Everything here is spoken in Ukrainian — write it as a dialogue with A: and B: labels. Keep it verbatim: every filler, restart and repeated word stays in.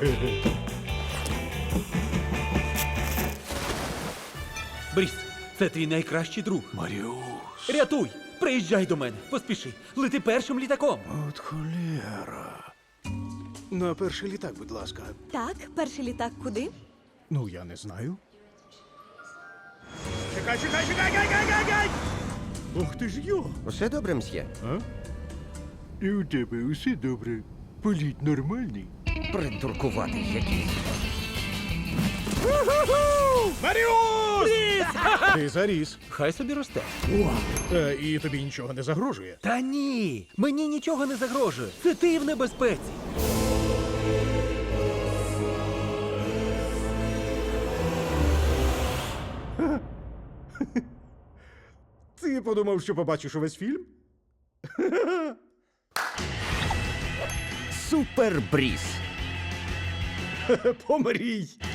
A: Бріс, це твій найкращий друг.
B: Маріус.
A: Рятуй! Приїжджай до мене, поспіши. Лети першим літаком.
B: От холєра. На перший літак, будь ласка.
C: Так, перший літак куди?
B: Ну, я не знаю.
D: Чекай, чекай, чекай, чекай, чекай, чекай!
B: Ох ти ж йо!
E: Усе добре, мсьє?
B: А? І у тебе усе добре. Політ нормальний.
E: Придуркуватий якийсь.
D: Маріус!
B: Ти заріс.
A: Хай собі росте.
B: Е, і тобі нічого не загрожує.
A: Та ні, мені нічого не загрожує. Це ти в небезпеці.
B: Ти подумав, що побачиш увесь фільм?
E: Супер Бріс.
B: Помрій!